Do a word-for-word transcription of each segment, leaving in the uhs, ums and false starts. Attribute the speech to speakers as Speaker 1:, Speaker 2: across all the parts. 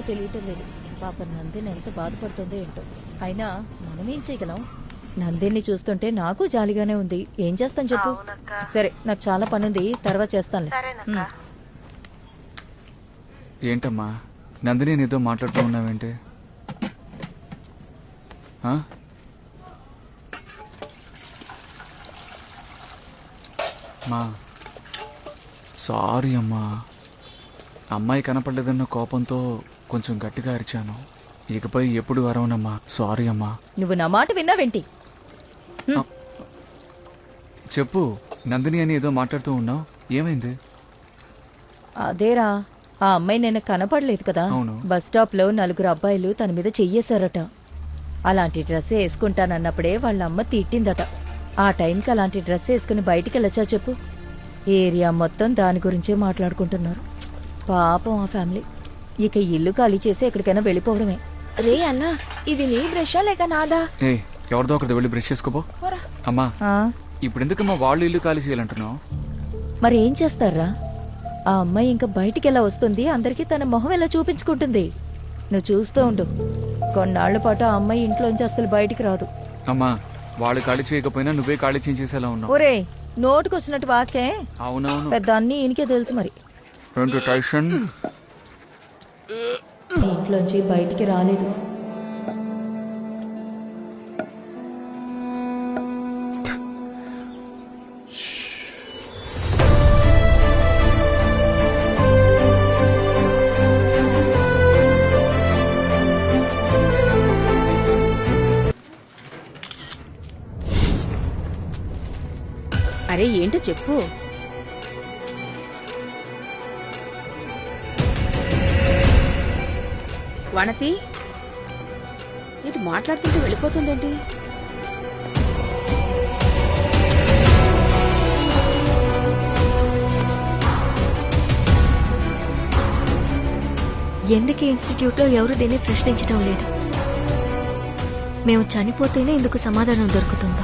Speaker 1: తెలియటం లేదు. పాప నందిని ఎంత బాధపడుతుందో ఏంటో. అయినా మనమేం చేయగలం? నందిని చూస్తుంటే నాకు జాలిగానే ఉంది. ఏం చేస్తాను చెప్పు. సరే, నాకు చాలా పనుంది, తర్వాత చేస్తానులే.
Speaker 2: ఏంటమ్మా నందిని నీతో మాట్లాడుతూ ఉన్నావేంటి? మా సారీ అమ్మా, అమ్మాయి కనపడలేదన్న కోపంతో కొంచెం గట్టిగా అరిచాను. ఇకపై ఎప్పుడు అరవనమ్మా. సారీ అమ్మా.
Speaker 1: నువ్వు నా మాట విన్నావేంటి?
Speaker 2: చెప్పు, నందిని అని ఏదో మాట్లాడుతూ ఉన్నావు, ఏమైంది?
Speaker 1: అదేరా, ఆ అమ్మాయి నిన్న కనపడలేదు కదా. బస్ స్టాప్ లో నలుగురు అబ్బాయిలు తన మీద చెయ్యేశారట. అలాంటి డ్రెస్ వేసుకుంటానన్నప్పుడే వాళ్ళ అమ్మ తిట్టిందట. ఆ టైంకి అలాంటి డ్రెస్ వేసుకుని బయటికి వెళ్ళొచ్చా చెప్పు? ఏరియా మొత్తం దాని గురించే మాట్లాడుకుంటున్నారు. పాపం ఆ ఫ్యామిలీ. ఇక ఇల్లు ఖాళీ చేసి ఎక్కడికైనా వెళ్ళిపోవడమే.
Speaker 3: రే అన్నా, ఇది నీ బ్రషా లేక నాదా?
Speaker 2: ఏ ఎవరిదో ఒకటి వెళ్ళి బ్రష్ చేసుకోపో. అమ్మా, ఇప్పుడు ఎందుకమ్మా వాళ్ళు ఇల్లు ఖాళీ చేయాలంటున్నావు?
Speaker 1: మరి ఏం చేస్తారా? ఆ అమ్మాయి ఇంకా బయటికి ఎలా వస్తుంది? అందరికీ తన మొహం ఎలా చూపించుకుంటుంది? నువ్వు చూస్తూ ఉండు. కొన్నాళ్ల పాటు ఆ అమ్మాయి ఇంట్లోంచి అసలు బయటికి రాదు.
Speaker 2: అమ్మా, వాళ్ళు ఖాళీ చేయకపోయినా నువ్వే ఖాళీ చేసేలా ఉన్నావు.
Speaker 1: ఒరే, నోటుకొచ్చినట్టు వాకే.
Speaker 2: అవునవును,
Speaker 1: పెద్ద అన్ని ఈయనకే తెలుసు. మరి ఇంట్లోంచి బయటికి రాలేదు.
Speaker 3: అరే ఏంటో చెప్పు. వనతి ఇది మాట్లాడుతుంటే వెళ్ళిపోతుందేంటి?
Speaker 4: ఎందుకు ఇన్స్టిట్యూట్లో ఎవరు దీన్ని ప్రశ్నించడం లేదు? మేము చనిపోతేనే ఇందుకు సమాధానం దొరుకుతుందా?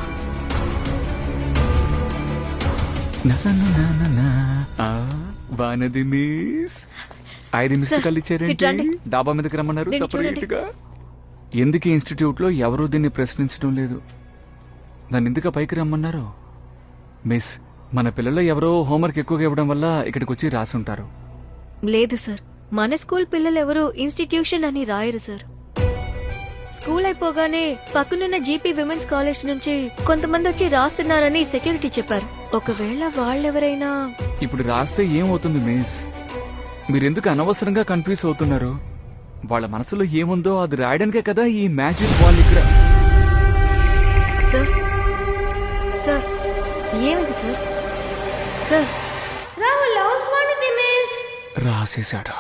Speaker 2: ఐదు మిస్డ్ కాల్ ఇచ్చారేంటి? డాబా మీదకి రమ్మన్నారు సపరేట్ గా. ఎందుకు ఇన్స్టిట్యూట్ లో ఎవరూ దీన్ని ప్రశ్నించడం లేదు? దాన్ని ఎందుకు పైకి రమ్మన్నారు? మిస్, మన పిల్లల్లో ఎవరో హోంవర్క్ ఎక్కువగా ఇవ్వడం వల్ల ఇక్కడికి వచ్చి రాసుంటారు.
Speaker 4: లేదు సార్, మన స్కూల్ పిల్లలు ఎవరు ఇన్స్టిట్యూషన్ అని రాయరు సార్. స్కూల్ అయిపోగానే పక్కనున్న జీపీ విమెన్స్ కాలేజ్ నుంచి కొంతమంది వచ్చి రాస్తున్నారని సెక్యూరిటీ చెప్పారు. ఒకవేళ వాళ్ళెవరైనా
Speaker 2: ఇప్పుడు రాస్తే ఏమవుతుంది మిస్? మీరెందుకు అనవసరంగా కన్ఫ్యూజ్ అవుతున్నారు? వాళ్ళ మనసులో ఏముందో అది రాయడానికే కదా ఈ మ్యాజిక్ బాల్ ఇక్కడ.
Speaker 4: సార్ సార్ ఏమిది సార్? సార్
Speaker 2: రాసేశాడు.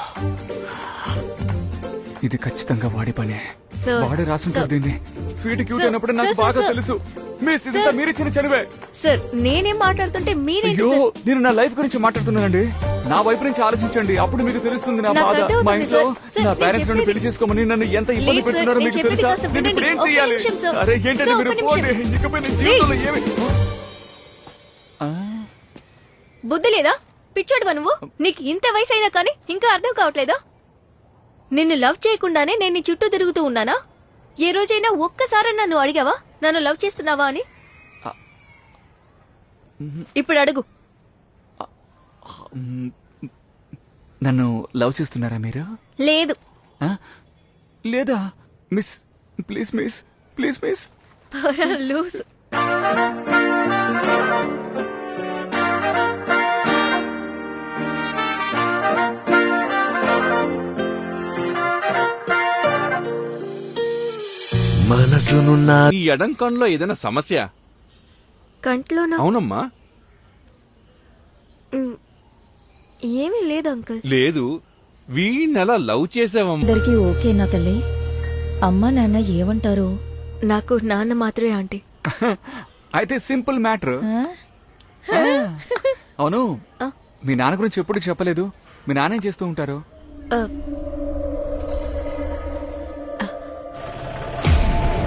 Speaker 2: ఇది ఖచ్చితంగా వాడి పనే. వాడే రాసుంటారు దీన్ని. స్వీట్ క్యూట్ అయినప్పుడు నాకు బాగా తెలుసు మిస్, ఇదంతా మీరిచ్చిన చదివే.
Speaker 4: సార్ నేనేం మాట్లాడుతుంటే మీరే.
Speaker 2: అయ్యో, నేను నా లైఫ్ గురించి మాట్లాడుతున్నానండి. నా వైపు నుంచి ఆలోచించండి, అప్పుడు మీకు తెలుస్తుంది నా బాధ. మా ఇంట్లో నా పేరెంట్స్ నన్ను పెళ్లి చేసుకోమని నన్ను ఎంత ఇబ్బంది పెడుతున్నారో మీకు తెలుసా? నేను ఇప్పుడు ఏం చెయ్యాలి? అరే ఏంటంటే మీరు పోండి, ఇకపై నేను జీవితంలో ఏమి.
Speaker 4: బుద్ధి లేదా? పిచ్చోడువా నువ్వు? నీకు ఇంత వయసు అయినా కానీ ఇంకా అర్థం కావట్లేదా? నిన్ను లవ్ చేయకుండానే నేను నీ చుట్టూ తిరుగుతూ ఉన్నానా? ఏ రోజైనా ఒక్కసారి నన్ను అడిగావా నన్ను లవ్ చేస్తున్నావా అని? ఇప్పుడు అడుగు.
Speaker 2: నన్ను లవ్ చేస్తున్నారా మీరు?
Speaker 4: లేదు.
Speaker 2: లేదా miss? Please miss, please miss.
Speaker 4: Loose.
Speaker 5: మనసునున్న
Speaker 6: ఈ ఎడం కన్నులో ఏదైనా సమస్య?
Speaker 4: కంట్లోనా?
Speaker 6: అవునమ్మా.
Speaker 4: ఏమీ లేదు అంకుల్.
Speaker 6: లేదు, వీణెలా లవ్ చేసావమ్మా?
Speaker 1: అందరికీ ఓకేనా తల్లి? అమ్మా నాన్న ఏమంటారు?
Speaker 4: నాకు నాన్న మాత్రమే ఆంటీ.
Speaker 2: అయితే సింపుల్ మ్యాటర్. అవును, మీ నాన్న గురించి ఎప్పుడు చెప్పలేదు. మీ నాన్న ఏం చేస్తూ ఉంటారు?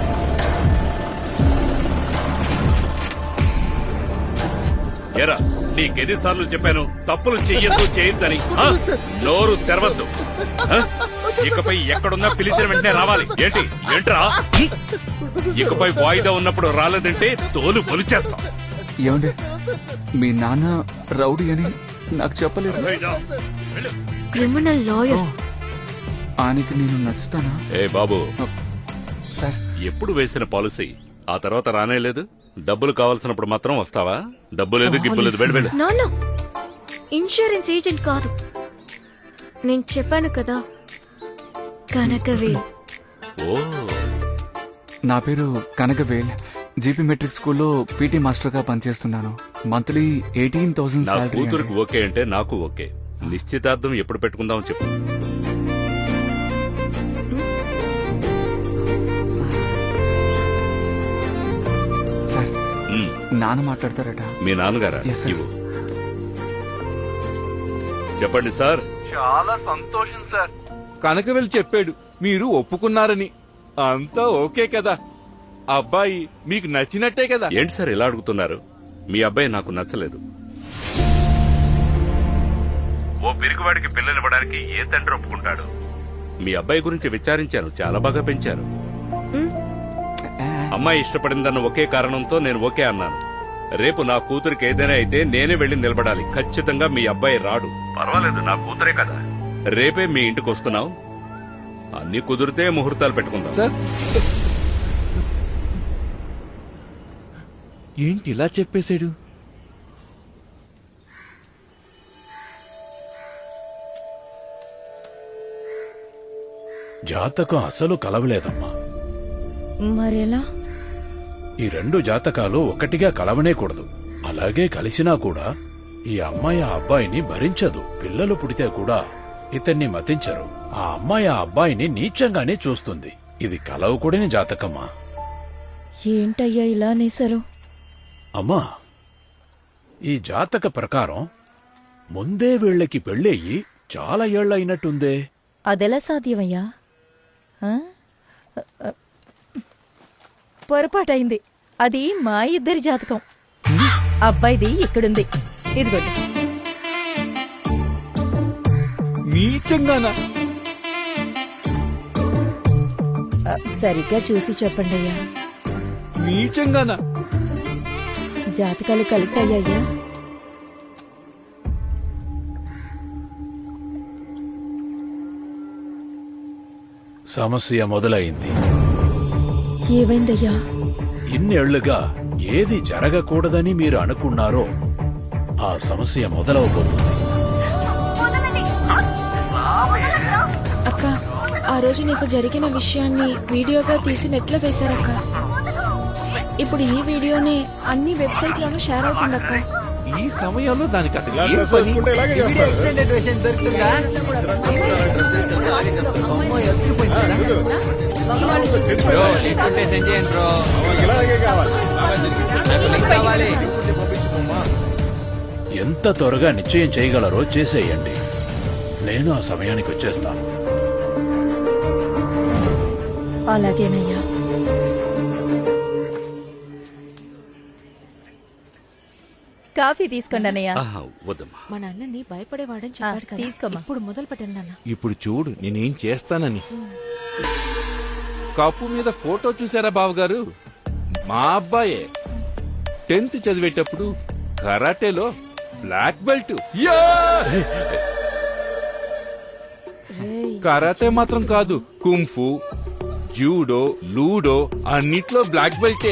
Speaker 7: ఎరా నీకెన్నిసార్లు చెప్పాను తప్పులు చెయ్యొద్దు చేయొద్దని ఆ? నోరు తెరవద్దు ఆ? ఇకపై ఎక్కడున్నా పిలిచిన వెంటనే రావాలి ఏంటి ఏంట్రా హ్మ్? ఇకపై వాయిదా ఉన్నప్పుడు రాలేదంటే తోలు పొలిచేస్తాం.
Speaker 2: ఏమండి మీ నాన్న రౌడీ అని నాకు చెప్పలేదు.
Speaker 4: Criminal lawyer.
Speaker 2: ఆయనకి నేను నచ్చుతానా?
Speaker 7: ఏ బాబు,
Speaker 2: సార్
Speaker 7: ఎప్పుడు వేసిన పాలసీ ఆ తర్వాత రానే లేదు. డబ్బులు కావాల్సినప్పుడు మాత్రం వస్తావా? డబ్బు లేదు గిబ్బు లేదు, వెళ్ళు వెళ్ళు.
Speaker 4: నాన్న ఇన్సూరెన్స్ ఏజెంట్ కాదు. నేను చెప్పాను కదా కనకవేల్.
Speaker 7: ఓ
Speaker 2: నా పేరు కనకవేల్. జీపీ మెట్రిక్ స్కూల్లో పీటీ మాస్టర్ గా పనిచేస్తున్నాను. మంత్లీ ఎయిటీన్ థౌసండ్
Speaker 7: నా
Speaker 2: సాలరీ.
Speaker 7: కూతురికి ఓకే అంటే నాకు ఓకే. నిశ్చితార్థం ఎప్పుడు పెట్టుకుందాం చెప్పు.
Speaker 2: సార్
Speaker 7: మ్,
Speaker 2: నాన్న మాట్లాడతారట.
Speaker 7: మీ నాన్నగారా?
Speaker 2: Yes, sir.
Speaker 7: ఇవ్వు. చెప్పండి సార్.
Speaker 6: చాలా సంతోషం సార్. కనకవేల్ చెప్పాడు మీరు ఒప్పుకున్నారని. అంతా ఓకే కదా? అబ్బాయి మీకు నచ్చినట్టే కదా?
Speaker 7: ఏంటి సార్ ఇలా అడుగుతున్నారు? మీ అబ్బాయి నాకు నచ్చలేదు. ఓ పిరికివాడికి పిల్లనివ్వడానికి ఏ తండ్రి ఒప్పుకుంటాడు? మీ అబ్బాయి గురించి విచారించాను, చాలా బాగా పెంచారు. అమ్మాయి ఇష్టపడిందన్న ఒకే కారణంతో నేను ఓకే అన్నాను. రేపు నా కూతురికి ఏదైనా అయితే నేనే వెళ్లి నిలబడాలి. ఖచ్చితంగా మీ అబ్బాయి రాడు. పర్వాలేదు, నా కూతురే కదా. రేపే మీ ఇంటికి వస్తున్నావు. అన్ని కుదిరితే ముహూర్తాలు పెట్టుకుందాం.
Speaker 6: సార్ ఏంటి ఇలా చెప్పేశాడు?
Speaker 8: జాతకం అసలు కలవలేదమ్మా.
Speaker 1: మరెలా?
Speaker 8: ఈ రెండు జాతకాలు ఒకటిగా కలవనేకూడదు. అలాగే కలిసినా కూడా ఈ అమ్మాయి ఆ అబ్బాయిని భరించదు. పిల్లలు పుడితే కూడా ఇతన్ని మతించరు. ఆ అమ్మాయి ఆ అబ్బాయిని నీచంగానే చూస్తుంది. ఇది కలవకూడని జాతకమ్మా.
Speaker 1: ఏంటయ్యా ఇలా అనేశారు?
Speaker 8: అమ్మా, ఈ జాతక ప్రకారం ముందే వీళ్ళకి పెళ్ళయ్యి చాలా ఏళ్లయినట్టుందే.
Speaker 1: అదెలా సాధ్యమయ్యా? ఆ? పొరపాటైంది. అది మా ఇద్దరి జాతకం. అబ్బాయిది ఇక్కడుంది. ఇదిగోండి.
Speaker 6: నీచంగానా?
Speaker 1: ఆ, సరిగ్గా చూసి చెప్పండి అయ్యా.
Speaker 6: నీచంగానా?
Speaker 1: జాతకాలు కలిసాయ్యా?
Speaker 8: సమస్య మొదలైంది.
Speaker 1: ఏమైందయ్యా?
Speaker 8: ఇన్నేళ్లుగా ఏది జరగకూడదని మీరు అనుకున్నారో ఆ సమస్య మొదలవబోతుంది.
Speaker 3: అక్క, ఆ రోజు నీకు జరిగిన విషయాన్ని వీడియోగా తీసి నెట్లో వేశారక్క. ఇప్పుడు ఈ వీడియోని అన్ని వెబ్సైట్లోనూ షేర్ అవుతుందక్క.
Speaker 6: ఈ సమయంలో దానికి అతను ఏం పని?
Speaker 8: ఎంత త్వరగా నిశ్చయం చేయగలరో చేసేయండి. నేను ఆ సమయానికి వచ్చేస్తాను.
Speaker 1: అలాగేనయ్యా. కాఫీ తీసుకోండి అన్నయ్య.
Speaker 7: ఆహా, వద్దమ్మా.
Speaker 3: మా నాన్నని భయపడేవాడని చెప్పాడు కదా.
Speaker 1: తీసుకోమ్మా.
Speaker 3: ఇప్పుడు మొదలు పెట్టండి నాన్న.
Speaker 6: ఇప్పుడు చూడు నేనేం చేస్తానని. కప్పు మీద ఫోటో చూసారా బావగారు? మా అబ్బాయే టెన్త్ చదివేటప్పుడు కరాటేలో బ్లాక్ బెల్ట్. యా! కరాటే మాత్రం కాదు, కుంఫు, జూడో, లూడో అన్నిట్లో బ్లాక్ బెల్టే.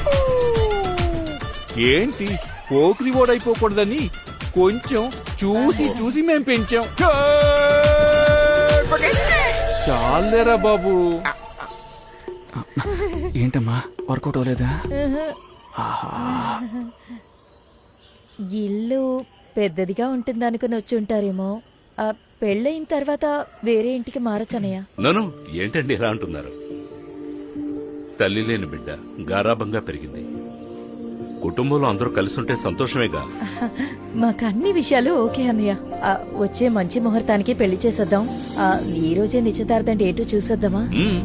Speaker 6: ఏంటి పోకిరి ఓడైపోకూడదని కొంచెం చూసి చూసి మేం పెంచాం. చాలేరా బాబు.
Speaker 2: ఏంటమ్మా వర్కౌట్ అవ్వలేదా?
Speaker 1: ఇల్లు పెద్దదిగా ఉంటుందనుకుని వచ్చి ఉంటారేమో. ఆ, పెళ్ళయిన తర్వాత వేరే ఇంటికి మారచ్చనయ్య.
Speaker 7: నన్ను ఏంటండి ఇలా అంటున్నారు? తల్లి లేని బిడ్డ గారాబంగా పెరిగింది. కుటుంబంలో అందరూ కలిసుంటే సంతోషమేగా.
Speaker 1: మాకు అన్ని విషయాలు ఓకే అన్నయ్య. ఆ, వచ్చే మంచి ముహూర్తానికి పెళ్లి చేసేద్దాం. ఆ, ఈ రోజే నిశ్చితార్థం డేటు చూసేద్దామా?
Speaker 7: మ్మ్.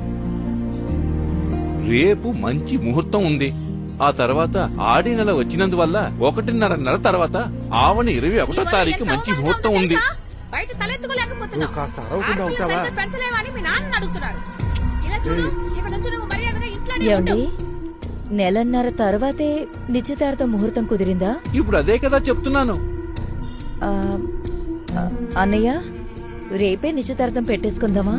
Speaker 6: రేపు మంచి ముహూర్తం ఉంది. ఆ తర్వాత ఆడి నెల వచ్చినందువల్ల ఒకటిన్నర నెల తర్వాత ఆవని ఇరవై ఒకటో తారీఖు మంచి ముహూర్తం ఉంది.
Speaker 9: బయట తలెత్తుకోలేకపోతున్నావు.
Speaker 5: కాస్త అరవకుండా ఉంటావా?
Speaker 9: పెంచలేవని మీ నాన్న అడుగుతున్నారు. ఇలా చూడు, ఇక్కడ నుంచి నువ్వు మర్యాదగా ఇంట్లోనే
Speaker 1: ఏమండి
Speaker 9: ఉండు.
Speaker 1: నెలన్నర తర్వాతే నిశ్చితార్థం ముహూర్తం కుదిరిందా?
Speaker 6: ఇప్పుడు అదే కదా చెప్తున్నాను.
Speaker 1: ఆ, ఆ, అన్నయ్య రేపే నిశ్చితార్థం పెట్టేసుకుందామా?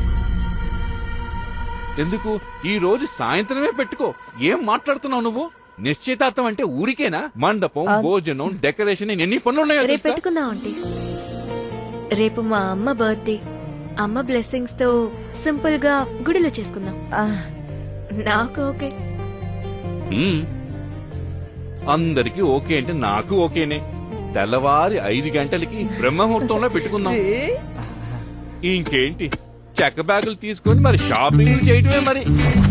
Speaker 6: ఎందుకు ఈ రోజు సాయంత్రమే పెట్టుకో. ఏం మాట్లాడుతున్నావు నువ్వు? నిశ్చితార్థం అంటే ఊరికేనా? మండపం, భోజనం, డెకరేషన్ ఎన్ని పనులు ఉన్నాయో
Speaker 4: రేపు
Speaker 6: తెలుసా?
Speaker 4: పెట్టుకుందాం ఆంటీ. రేపు మా అమ్మ బర్త్డే. అమ్మ బ్లెస్సింగ్స్ తో సింపుల్ గా గుడిలో చేసుకుందాం.
Speaker 1: ఆ,
Speaker 4: నాకు ఓకే.
Speaker 6: మ్మ్. అందరికీ ఓకే అంటే నాకు ఓకేనే. తెల్లవారి ఐదు గంటలకి బ్రహ్మముహూర్తంలో పెట్టుకుందాం. ఇంకేంటి, చెక్క బ్యాగులు తీసుకొని మరి షాపింగ్ చేయటమే మరి.